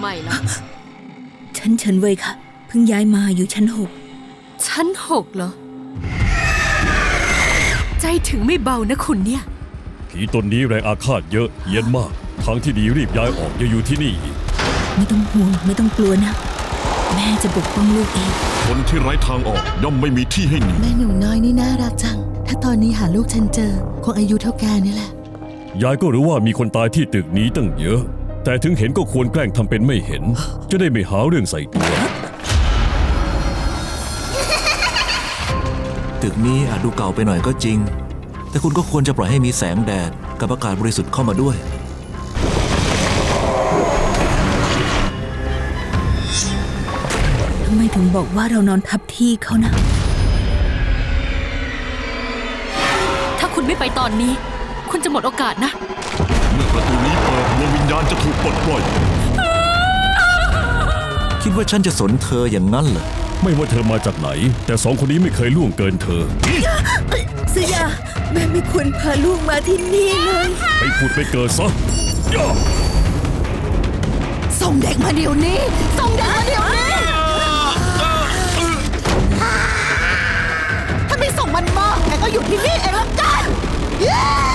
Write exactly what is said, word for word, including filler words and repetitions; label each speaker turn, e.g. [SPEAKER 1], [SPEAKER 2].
[SPEAKER 1] ม่ล่ะ
[SPEAKER 2] ฉันเฉินเว่ยค่ะเพิ่งย้ายมาอยู่ชั้นหก
[SPEAKER 1] ชั้นหกเหรอใจถึงไม่เบานะคุณเนี่ย
[SPEAKER 3] ผีตนนี้แรงอาฆาตเยอะเย็นมากทางที่ดีรีบย้ายออกอย่าอยู่ที่นี่อีก
[SPEAKER 2] ไม่ต้องห่วงไม่ต้องกลัวนะแม่จะปกป้องลูกเอง
[SPEAKER 4] คนที่ไร้ทางออกย่อมไม่มีที่ให้หนี
[SPEAKER 5] แม่หนูน้อยนี่น่ารักจังถ้าตอนนี้หาลูกฉันเจอคงอายุเท่าแกนี่แหละ
[SPEAKER 3] ยายก็รู้ว่ามีคนตายที่ตึกนี้ตั้งเยอะแต่ถึงเห็นก็ควรแกล้งทำเป็นไม่เห็นจะได้ไม่หาเรื่องใส่ตัว
[SPEAKER 6] ตึกนี้อาจดูเก่าไปหน่อยก็จริงแต่คุณก็ควรจะปล่อยให้มีแสงแดดกับอากาศบริสุทธิ์เข้ามาด้วย
[SPEAKER 2] ทำไมถึงบอกว่าเรานอนทับที่เขานะ
[SPEAKER 1] ถ้าคุณไม่ไปตอนนี้คุณจะหมดโอกาสนะ
[SPEAKER 4] เมื่อประตูนี้เปิดดวงวิญญาณจะถูกปลดปล่อย
[SPEAKER 6] คิดว่าฉันจะสนเธออย่างนั้นเหรอ
[SPEAKER 3] ไม่ว่าเธอมาจากไหนแต่สองคนนี้ไม่เคยล่วงเกินเธอ
[SPEAKER 2] เสียแม่ไม่ควรพาลูกมาที่นี่เลย
[SPEAKER 3] ไปพูดไปเกิดซะ
[SPEAKER 5] ส่งเด็กมาเดี๋ยวนี้ส่งเด็กมาเดี๋ยวนี้ถ้าไม่ส่งมันมาแกก็อยู่ที่นี่เองละกัน